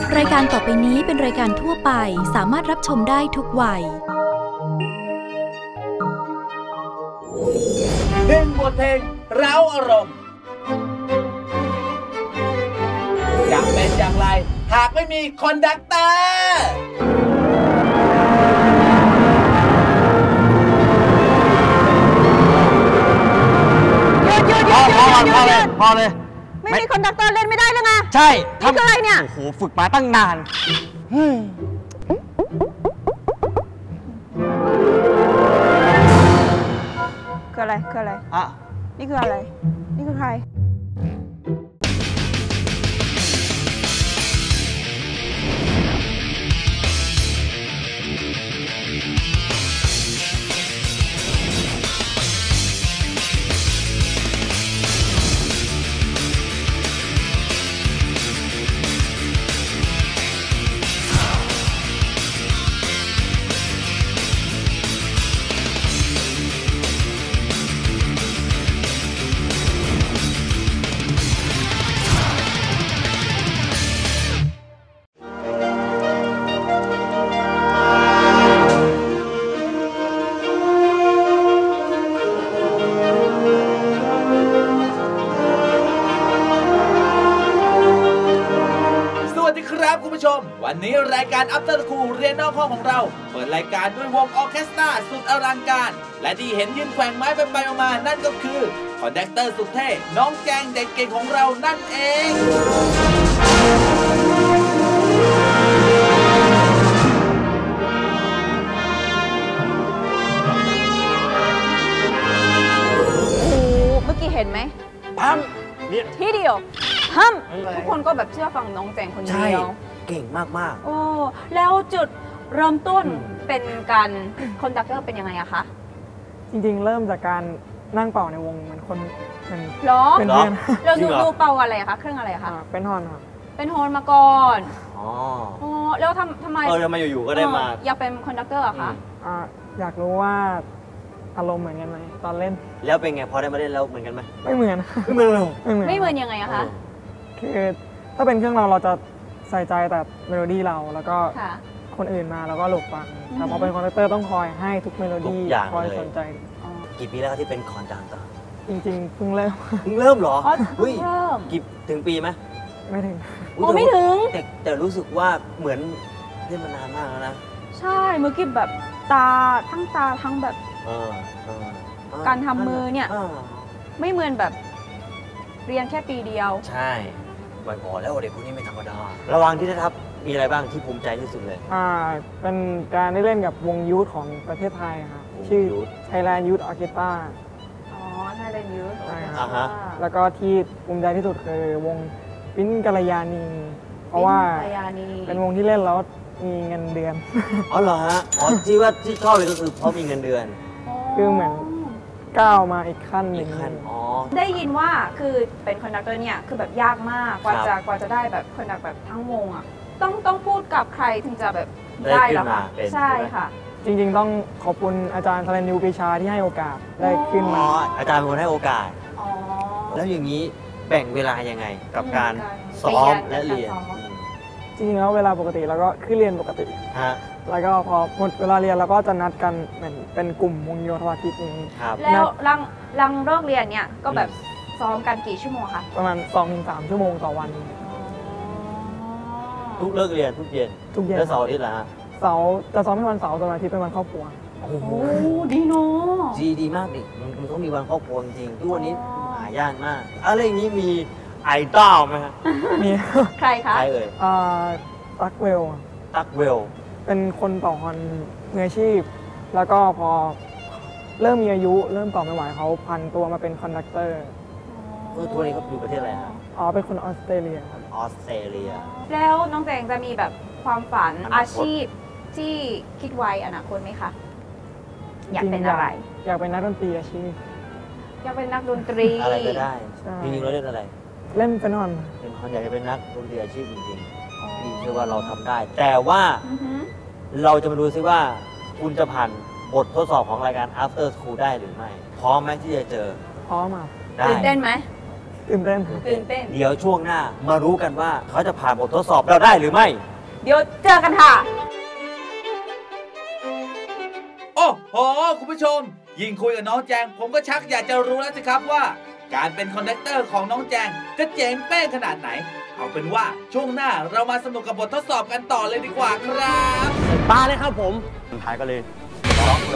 รายการต่อไปนี้เป็นรายการทั่วไปสามารถรับชมได้ทุกวัยเพลงบทเพลงเร้าอารมณ์อยากเป็นอย่างไรหากไม่มีคอนดักเตอร์พอเลยไม่มีคอนดักเตอร์เล่นไม่ได้เลยไงใช่นี่คืออะไรเนี่ยโอ้โหฝึกมาตั้งนานคืออะไรอ่ะนี่คืออะไรนี่คือใครคุณผู้ชมวันนี้รายการ After School เรียนนอกห้องของเราเปิดรายการด้วยวงออร์เคสตราสุดอลังการและที่เห็นยืนแขว่งไม้ไปมานั่นก็คือคอนดักเตอร์สุดเท่น้องแจงเด็กเก่งของเรานั่นเองเมื่อกี้เห็นไหมปั๊มทีเดียวห้ามทุกคนก็แบบเชื่อฟังน้องแจงคนเดียวเก่งมากโอ้แล้วจุดเริ่มต้นเป็นการคอนดักเตอร์เป็นยังไงอะคะจริงๆเริ่มจากการนั่งเป่าในวงเหมือนคนเป็นหรอเป็นเพื่อนเราดูเป่าอะไรคะเครื่องอะไรคะเป็นฮอนครับเป็นฮอนมาก่อนอ๋อแล้วทำไมอยู่ๆก็ได้มาอยากเป็นคอนดักเตอร์อะคะอยากรู้ว่าอารมณ์เหมือนกันไหมตอนเล่นแล้วเป็นไงพอได้มาเล่นแล้วเหมือนกันไหมไม่เหมือนไม่เหมือนยังไงอะคะคือถ้าเป็นเครื่องเราจะใส่ใจแต่เมโลดี้เราแล้วก็คนอื่นมาแล้วก็หลบฟังแต่พอเป็นคอนดักเตอร์ต้องคอยให้ทุกเมโลดี้คอยสนใจกี่ปีแล้วที่เป็นคอนดักเตอร์จริงๆเพิ่งเริ่มเหรอกี่ถึงปีไหมไม่ถึงไม่ถึงแต่รู้สึกว่าเหมือนเล่นมานานมากแล้วนะใช่เมื่อกี้แบบตาทั้งแบบการทำมือเนี่ยไม่เหมือนแบบเรียนแค่ปีเดียวใช่วันก่อนแล้วเด็กคนนี้ไม่ธรรมดาระหว่างที่ได้ทับมีอะไรบ้างที่ภูมิใจที่สุดเลยเป็นการได้เล่นกับวงยูทของประเทศไทยครับชื่อ Thailand Youth Orchestra Thailand Youth ใช่ครับแล้วก็ที่ภูมิใจที่สุดคือวงปิ้นกัลยาณีเพราะว่าเป็นวงที่เล่นแล้วมีเงินเดือนอ๋อเหรอฮะที่ชอบเลยก็คือเพราะมีเงินเดือนคือเหมือนก้าวมาอีกขั้นหนึ่งได้ยินว่าคือเป็นคอนดักเตอร์เนี่ยคือแบบยากมากกว่าจะได้แบบคอนดักแบบทั้งวงอ่ะต้องพูดกับใครถึงจะแบบได้หรอคะใช่ค่ะจริงๆต้องขอบคุณอาจารย์ธารณิว ปีชาที่ให้โอกาสได้ขึ้นมาอาจารย์เป็นคนให้โอกาสแล้วอย่างนี้แบ่งเวลายังไงกับการซ้อมและเรียนจริงๆแล้วเวลาปกติเราก็ขึ้นเรียนปกติแล้วก็พอหมดเวลาเรียนเราก็จะนัดกันเหมือนเป็นกลุ่มวงโยธวาทิตนี้แล้วหลังเลิกเรียนเนี่ยก็แบบซ้อมกันกี่ชั่วโมงคะประมาณ 2-3 ชั่วโมงต่อวันทุกเลิกเรียนทุกเย็นแล้วเสาร์อาทิตย์ล่ะเสาร์จะซ้อมเป็นวันเสาร์ส่วนอาทิตย์เป็นวันครอบครัวโอ้โหดีเนาะดีมากดิมันต้องมีวันครอบครัวจริงทุกวันนี้หายากมากอะไรอย่างนี้มีไอดอลไหมครับมีใครคะใครเอ่ยตั๊กเวลเป็นคนต่อฮอนมืออาชีพแล้วก็พอเริ่มมีอายุเริ่มต่อไม่ไหวเขาพันตัวมาเป็นคอนดักเตอร์ตัวนี้เขาอยู่ประเทศอะไรครับเป็นคนออสเตรเลียครับออสเตรเลียแล้วน้องแจงจะมีแบบความฝันอาชีพที่คิดไว้อนาคตไหมคะอยากเป็นอะไรอยากเป็นนักดนตรีอาชีพอยากเป็นนักดนตรีอะไรก็ได้จริงๆเราเล่นอะไรเล่นเป็นฮอนอยากจะเป็นนักดนตรีอาชีพจริงๆพี่เชื่อว่าเราทำได้แต่ว่าเราจะมาดูซิว่าคุณจะผ่านบททดสอบของรายการ After School ได้หรือไม่พร้อมไหมที่จะเจอพร้อมอ่ะตื่นเต้นไหมตื่นเต้นตื่นเต้นเดี๋ยวช่วงหน้ามารู้กันว่าเขาจะผ่านบททดสอบเราได้หรือไม่เดี๋ยวเจอกันค่ะโอ้โห คุณผู้ชม ยิ่งคุยกับน้องแจง ผมก็ชักอยากจะรู้แล้วสิครับว่า การเป็นคอนดักเตอร์ของน้องแจงจะเจ๋งเป้งขนาดไหน เอาเป็นว่าช่วงหน้าเรามาสนุกกับบททดสอบกันต่อเลยดีกว่าครับมาเลยครับผมสุดท้ายก็เลยล็อกเลย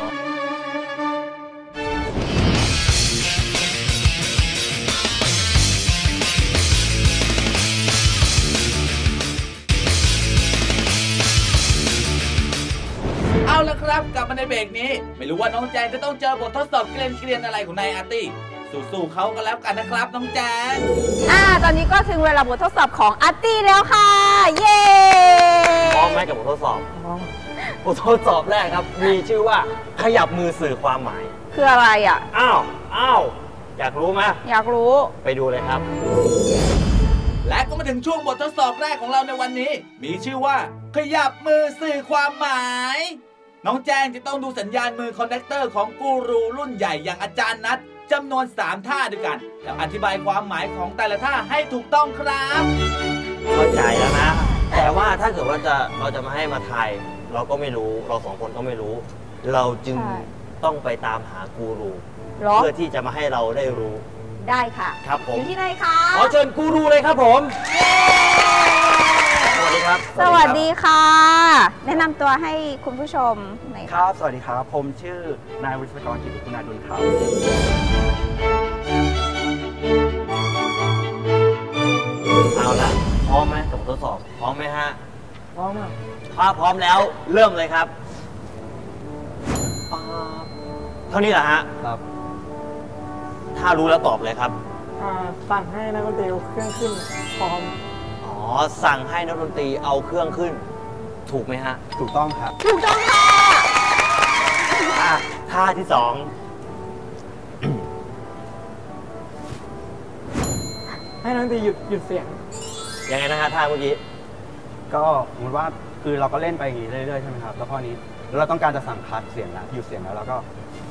เอาละครับกลับมาในเบรกนี้ ไม่รู้ว่าน้องแจงจะต้องเจอบททดสอบเกรียนๆอะไรของนายอาร์ตี้สู้ๆเขากันแล้วกันนะครับน้องแจงตอนนี้ก็ถึงเวลาบททดสอบของอาร์ตี้แล้วค่ะ เย้พร้อมไหมกับบททดสอบ บททดสอบแรกครับ มีชื่อว่าขยับมือสื่อความหมายคืออะไรอ่ะอ้าวอยากรู้ไหมอยากรู้ไปดูเลยครับและก็มาถึงช่วงบททดสอบแรกของเราในวันนี้ มีชื่อว่า ขยับมือสื่อความหมาย น้องแจงจะต้องดูสัญญาณมือคอนดักเตอร์ของกูรูรุ่นใหญ่อย่างอาจารย์นัทจำนวน3ท่าด้วยกันแล้วอธิบายความหมายของแต่ละท่าให้ถูกต้องครับเข้าใจแล้วนะ แต่ว่าถ้าเกิดว่าเราจะมาให้มาทายเราก็ไม่รู้เราสองคนก็ไม่รู้ เราจึงใช่ต้องไปตามหากูรูเหรอเพื่อที่จะมาให้เราได้รู้ได้ค่ะครับผมอยู่ที่ไหนคะขอเชิญกูรูเลยครับผมสวัสดีครับสวัสดีค่ะ แนะนำตัวให้คุณผู้ชมหน่อยคค่ะรับ สวัสดีครับ ผมชื่อนายวิศวกรกิติคุณาดุลครับเอาละพร้อมไหมกับบททดสอบพร้อมไหมฮะพร้อมอ่ะถ้าพร้อมแล้วเริ่มเลยครับเท่านี้เหรอฮะครับถ้ารู้แล้วตอบเลยครับสั่งให้นักดนตรีเอาเครื่องขึ้นพร้อมอ๋อ สั่งให้นักดนตรีเอาเครื่องขึ้น ถูกไหมฮะถูกต้องครับถูกต้องค่ะท่าที่สองให้นักดนตรีหยุดเสียงยังไงนะฮะท่าเมื่อกี้ก็สมมติว่าคือเราก็เล่นไปอย่างนี้เรื่อยๆใช่ไหมครับ แล้วข้อนี้เราต้องการจะสั่งคัดเสียงแล้วหยุดเสียงแล้วก็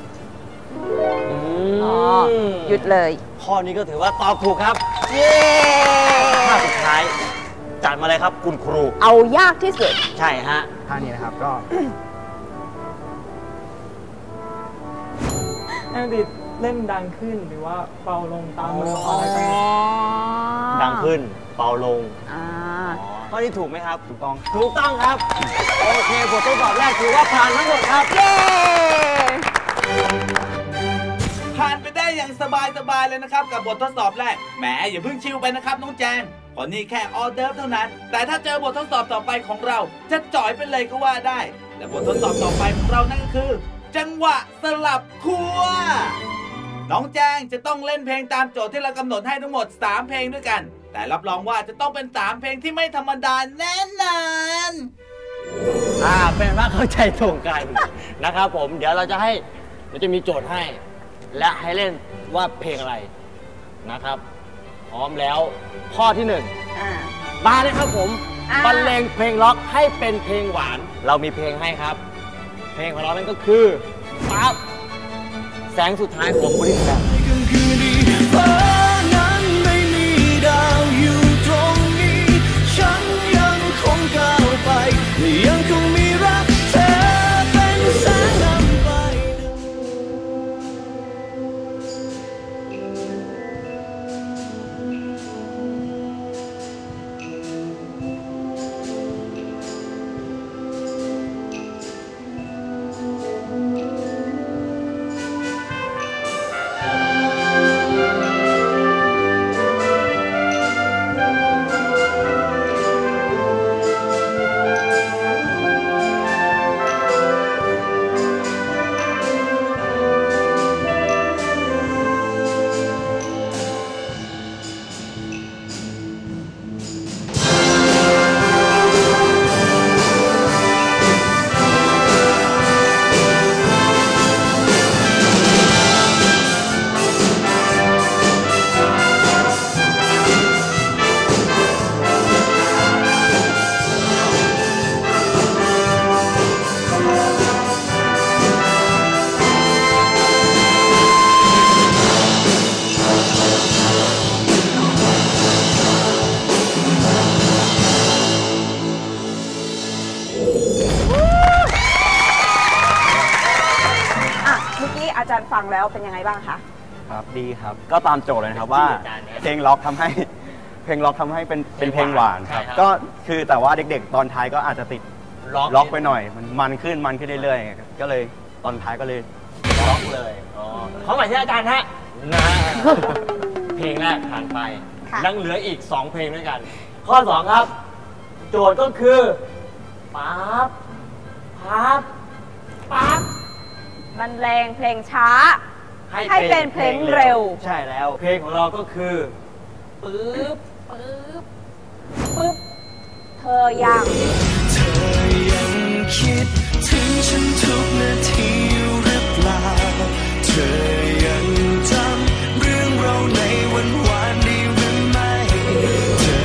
อ๋อ หยุดเลยข้อนี้ก็ถือว่าตอบถูกครับเย้ท่าสุดท้าย จัดมาเลยครับคุณครูเอายากที่สุดใช่ฮะท่านี้นะครับก็ให้นักดนตรีเล่นดังขึ้นหรือว่าเบาลงตามมืออะไรไปดังขึ้น เบาลงอ่าข้อนี้ถูกไหมครับถูกต้องถูกต้องครับ โอเคบททดสอบแรกถือว่าผ่านทั้งหมดครับเย้ผ่านไปได้อย่างสบายๆเลยนะครับกับบททดสอบแรกแหมอย่าเพิ่งชิวไปนะครับน้องแจงเพราะนี่แค่ออเดิร์ฟเท่านั้น แต่ถ้าเจอบททดสอบต่อไปของเราจะจ่อยไปเลยก็ว่าได้และบททดสอบต่อไปของเรานั่นก็คือ จังหวะสลับคั่วน้องแจงจะต้องเล่นเพลงตามโจทย์ที่เรากำหนดให้ทั้งหมด3เพลงด้วยกัน แต่รับรองว่าจะต้องเป็น3เพลงที่ไม่ธรรมดาแน่นอนเป็นว่าเข้าใจตรงกัน นะครับผม เดี๋ยวเราจะมีโจทย์ให้ และให้เล่นว่าเพลงอะไรนะครับ พร้อมแล้ว ข้อที่หนึ่งอ่ามาเลยครับผมอ่าบรรเลงเพลงล็อกให้เป็นเพลงหวาน เรามีเพลงให้ครับ เพลงของเรานั่นก็คือปั๊บแสงสุดท้ายของบริษัทฟ้านั้นไม่มีดาวอยู่ตรงนี้ ฉันยังคงก้าวไปยังคงมีรักเธอเป็นแสงนำไปเงแล้วเป็นยังไงบ้างคะครับดีครับก็ตามโจทย์เลยนะครับว่าเพลงล็อกทำให้เป็นเพลงหวานครับก็คือแต่ว่าเด็กๆตอนท้ายก็อาจจะติดล็อกไปหน่อยมันขึ้นเรื่อยๆก็เลยตอนท้ายก็เลยล็อกเลยเขาหมายถึงอาจารย์ฮะนะเพลงแรกผ่านไปยังเหลืออีก2เพลงด้วยกันข้อ2ครับโจทย์ก็คือปั๊บปั๊บปั๊บบรรเลงเพลงช้าให้เป็นเพลงเร็วใช่แล้วเพลงของเราก็คือปึ๊บปึ๊บปึ๊บเธอยังเธอยังคิดถึงฉันทุกนาทีหรือเปล่าเธอยังจำเรื่องเราในวันวานได้หรือไม่เธอ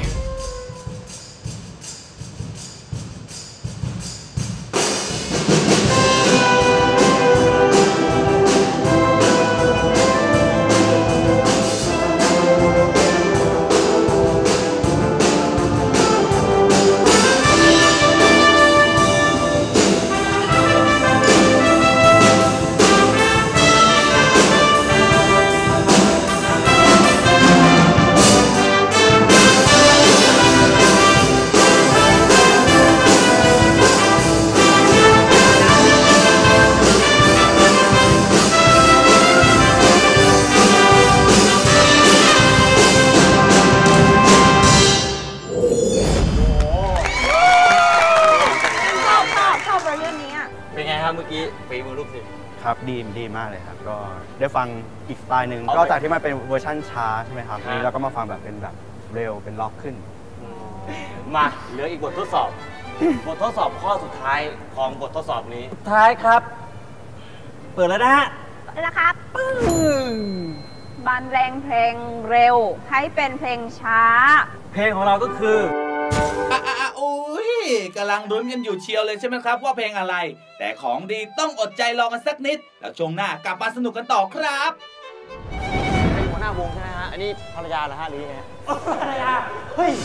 เมื่อกี้ฝีมือลูกศิษย์ครับดีมากเลยครับก็ได้ฟังอีกสไตล์หนึ่งก็จากที่มันเป็นเวอร์ชั่นช้าใช่ไหมครับนี้เราก็มาฟังแบบเป็นแบบเร็วเป็นล็อกขึ้นมาเหลืออีกบททดสอบ บททดสอบข้อสุดท้ายของบททดสอบนี้ท้ายครับเปิดแล้วนะฮะนะครับบรรเลงเพลงเร็วให้เป็นเพลงช้าเพลงของเราก็คืออุ้ยกำลังรุ้นกันอยู่เชียวเลยใช่ไหมครับว่าเพลงอะไรแต่ของดีต้องอดใจรอกันสักนิดแล้วช่วงหน้ากลับมาสนุกกันต่อครับเป็นหัวหน้าวงใช่ไหมฮะอันนี้ภรรยาเหรอฮะหรือยังไงภรรยาเฮ้ย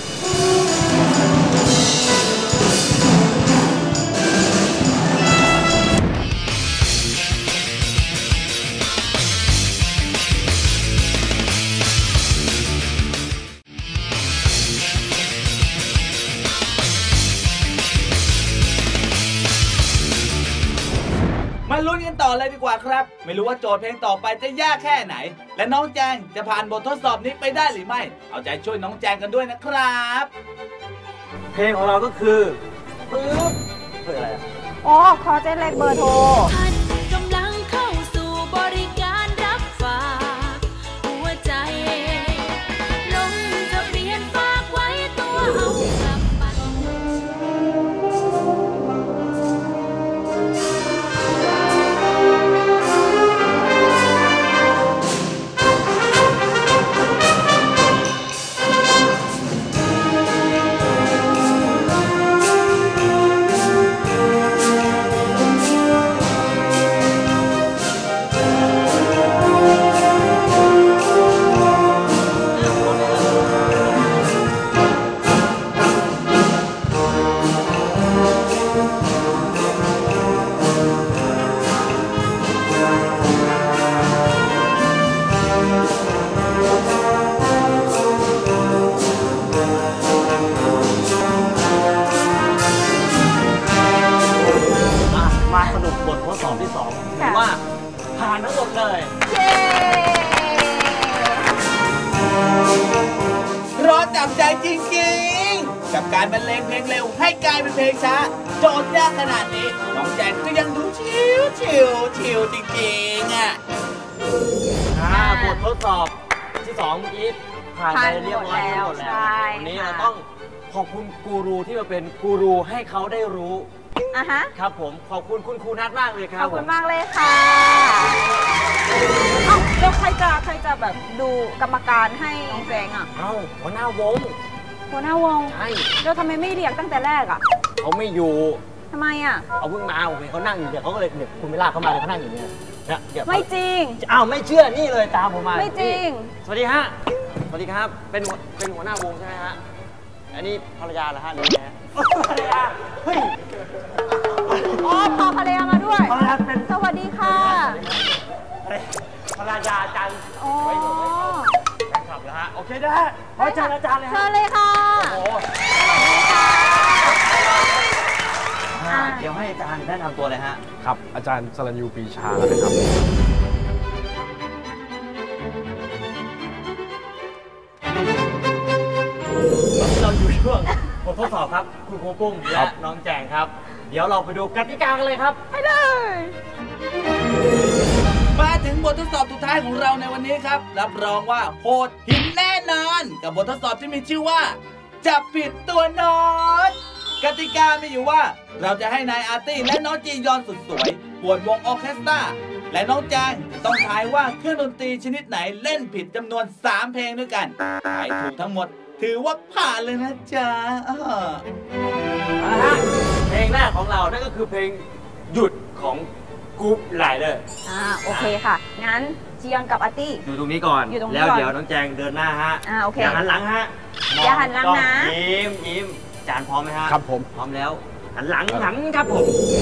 มาลุ้นกันต่อเลยดีกว่าครับไม่รู้ว่าโจทย์เพลงต่อไปจะยากแค่ไหนและน้องแจงจะผ่านบททดสอบนี้ไปได้หรือไม่เอาใจช่วยน้องแจงกันด้วยนะครับเพลงของเราก็คือปึ๊บคืออะไรอ๋อขอเจ๊เล็กเบอร์โทรท่านกำลังเข้าสู่บริการรับฝากหัวใจลงทะเบียนฝากไว้ตัวเอากลับไปว่าผ่านทั้งหมดเลยเย้ร้อนจับใจจริงๆกับการบรรเลงเพลงเร็วให้กลายเป็นเพลงช้าโจทย์ยากขนาดนี้น้องแจงก็ยังดูชิวจริงๆอ่ะบททดสอบที่2เมื่อกี้ผ่านไปเรียบร้อยทั้งหมดแล้ววันนี้เราต้องขอบคุณกูรูที่มาเป็นกูรูให้เขาได้รู้ครับผมขอบคุณคุณครูนัทมากเลยครับขอบคุณมากเลยค่ะแล้วใครจะแบบดูกรรมการให้น้องแจงอ่ะหัวหน้าวงใช่แล้วทำไมไม่เรียกตั้งแต่แรกอ่ะเขาไม่อยู่ทำไมอ่ะเอาเพิ่งมาผมเห็นเขานั่งอยู่เนี่ยเขาก็เลยเนี่ยคุณไม่ลากเขามาเลยเขานั่งอยู่เนี่ยไม่จริงไม่เชื่อนี่เลยตามผมมาไม่จริงสวัสดีฮะสวัสดีครับเป็นหัวหน้าวงใช่ไหมฮะอันนี้ภรรยาเหรอฮะหรือไงภรรยาเฮ้ยพาภรรยามาด้วยสวัสดีค่ะเลยนะฮะขอเชิญอาจารย์เลยเชิฮะญเลยค่ะโอ้โหเดี๋ยวให้อาจารย์แนะนำตัวเลยฮะครับอาจารย์สรัญยูปรีชานะครับเราอยู่ช่วงบททดสอบครับคุณครูปุ้มและน้องแจงครับ เดี๋ยวเราไปดูกติกากันเลยครับไปเลยมาถึงบททดสอบสุดท้ายของเราในวันนี้ครับ รับรองว่าโหดหินแน่นอน กับบททดสอบที่มีชื่อว่าจับผิดตัวน้อยกติกามีอยู่ว่าเราจะให้นายอาร์ตี้และน้องจียอนสุดสวยปวดวงออร์เคสตราและน้องแจงจะต้องทายว่าเครื่องดนตรีชนิดไหนเล่นผิดจำนวน 3 เพลงด้วยกันทายถูกทั้งหมดถือว่าผ่านเลยนะจ๊ะเพลงแรกของเรานั่นก็คือเพลงหยุดของกรุ๊ปไลเดอร์โอเคค่ะ งั้นจียอนกับอาร์ตี้อยู่ตรงนี้ก่อนอยู่ตรงนี้แล้วก่อนเดี๋ยวน้องแจงเดินหน้าฮะโอเคอย่าหันหลังฮะอย่าหันหลังนะยิ้มอาจารย์พร้อมไหมฮะครับผมพร้อมแล้วหันหลังครับผม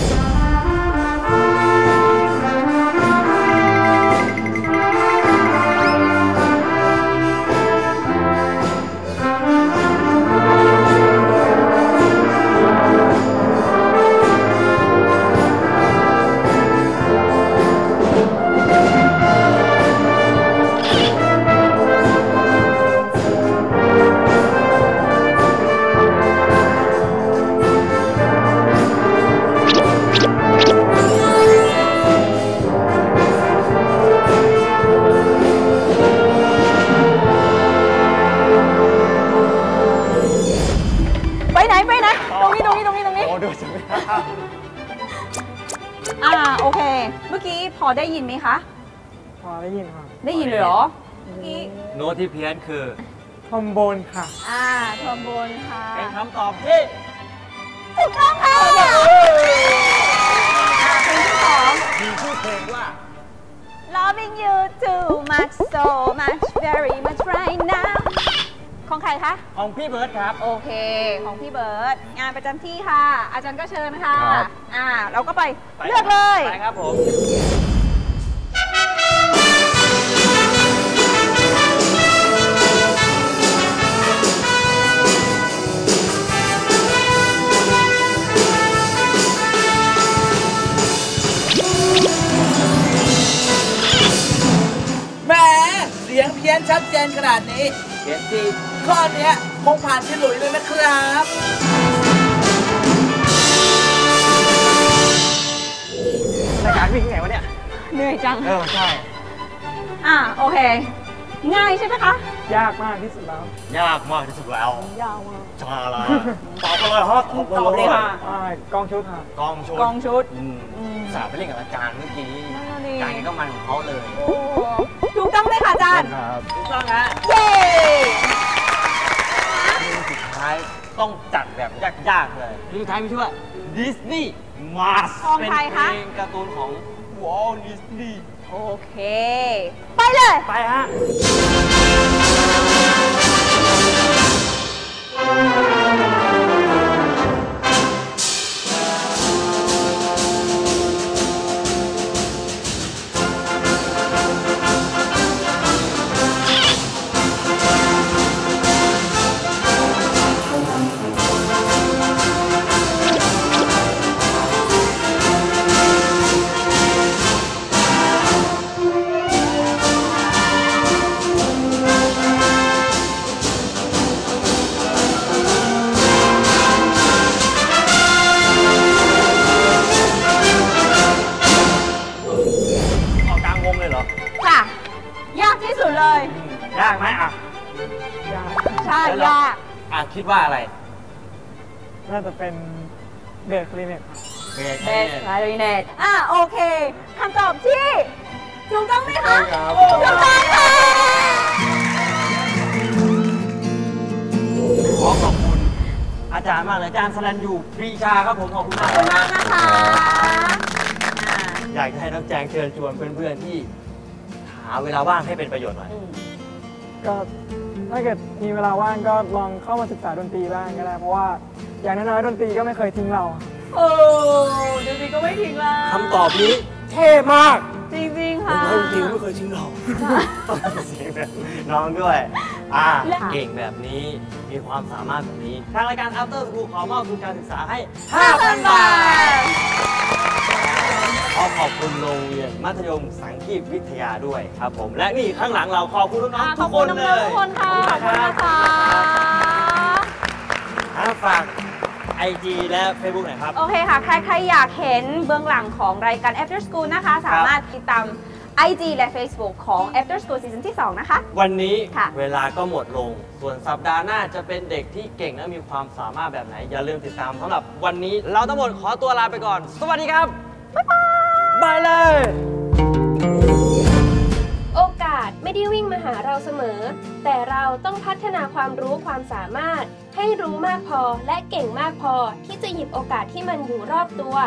ไปไหน ตรงนี้โอ้ดูสิโอเค เมื่อกี้พอได้ยินไหมคะพอได้ยินค่ะได้ยินเลยเหรอ เมื่อกี้โน้ตที่เพี้ยนคือทอมโบนค่ะทอมโบนค่ะเป็นคำตอบที่ถูกต้องค่ะเพลงที่สองมีชื่อเพลงว่า Loving you too much so much very much right now ของใครคะของพี่เบิร์ดครับโอเค ของพี่เบิร์ดงานประจำที่ค่ะ อาจารย์ก็เชิญค่ะครับเราก็ไปเลือกเลยไปครับผมแหมเสียงเพี้ยนชัดเจนขนาดนี้เพี้ยนทีข้อเนี้ยคงผ่านฉลุยเลยนะครับรายการวิ่งไงวะเนี่ยเหนื่อยจังใช่โอเค ง่ายใช่ไหมคะยากมากที่สุดแล้วยากมากที่สุดแล้วยาวมากชาละตอบกันเลยครับตอบเลยค่ะกองชุดค่ะกองชุดกองชุดสาบไปเล่นกับอาจารย์เมื่อกี้นั่นน่ะดิอาจารย์ก็มันของเขาเลยโอ้ถูกต้องเลยค่ะอาจารย์ครับถูกต้องฮะเย้เพลงสุดท้ายต้องจัดแบบยากๆเลยเพลงสุดท้ายมีชื่อว่าดิสนีย์มาสของเป็นใครเพคะลงการ์ตูนของวอลดิสนีย์โอเค ไปเลยไปฮะ ออกกลางวงเลยเหรอค่ะ ยากที่สุดเลยยากไหมอ่ะยากใช่ยากคิดว่าอะไรน่าจะเป็นเบสคลินิกค่ะเบสเบสไคลริเนตโอเคคำตอบที่ถูกต้องไหมคะใช่ครับถูกต้องค่ะขอขอบคุณอาจารย์มากเลยอาจารย์สรัญยูปรีชาครับผมขอบคุณมากขอบคุณมากนะคะอยากจะให้น้องแจงเชิญชวนเพื่อนๆที่หาเวลาว่างให้เป็นประโยชน์หน่อยก็ถ้าเกิดมีเวลาว่างก็ลองเข้ามาศึกษาดนตรีบ้างก็ได้ เพราะว่าอย่างน้อยๆดนตรีก็ไม่เคยทิ้งเราโอ้ดูสิก็ไม่ทิ้งเราคำตอบนี้เท่มากจริงๆค่ะจริงไม่เคยจริงหรอกเสียงแบบน้องด้วยเก่งแบบนี้มีความสามารถแบบนี้ทางรายการ After School ขอมอบทุนการศึกษาให้ 5,000 บาทขอบคุณโรงเรียนมัธยมสังคีตวิทยาด้วยครับผมและนี่ข้างหลังเราขอบคุณน้องๆทุกคนเลยขอบคุณทุกคนค่ะขอบคุณนะคะฝาก IG และ Facebook หน่อยครับโอเคค่ะ ใครอยากเห็นเบื้องหลังของรายการ After School นะคะ สามารถติดตาม IG และ Facebook ของ After School Season ที่ 2 นะคะวันนี้ค่ะเวลาก็หมดลง ส่วนสัปดาห์หน้าจะเป็นเด็กที่เก่งและมีความสามารถแบบไหน อย่าลืมติดตามสำหรับวันนี้เราทั้งหมดขอตัวลาไปก่อน สวัสดีครับ บ๊ายบายบายเลยโอกาสไม่ได้วิ่งมาหาเราเสมอ แต่เราต้องพัฒนาความรู้ความสามารถให้รู้มากพอและเก่งมากพอที่จะหยิบโอกาสที่มันอยู่รอบตัว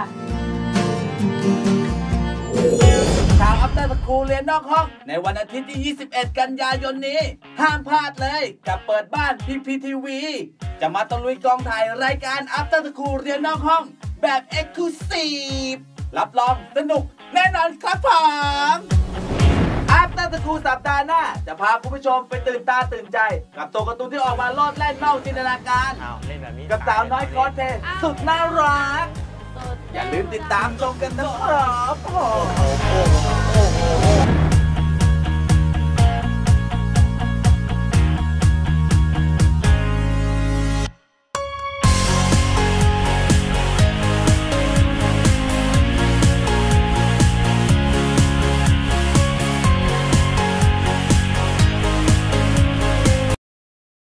ชาวอัปเตอร์สคูลเรียนนอกห้องในวันอาทิตย์ที่ 21 กันยายนนี้ ห้ามพลาดเลยกับเปิดบ้านพีพีทีวีจะมาตะลุยกองถ่ายรายการอัปเตอร์สคูลเรียนนอกห้องแบบ Exclusive รับรองสนุกแน่นอนครับผมอัปเตอร์สคูลสัปดาห์หน้าจะพาคุณผู้ชมไปตื่นตาตื่นใจ กับตัวการ์ตูนที่ออกมาโลดแล่นนอกจินตนาการกับสาวน้อยคอสเพลย์สุดน่ารักอย่าลืมติดตามชมกันนะครับ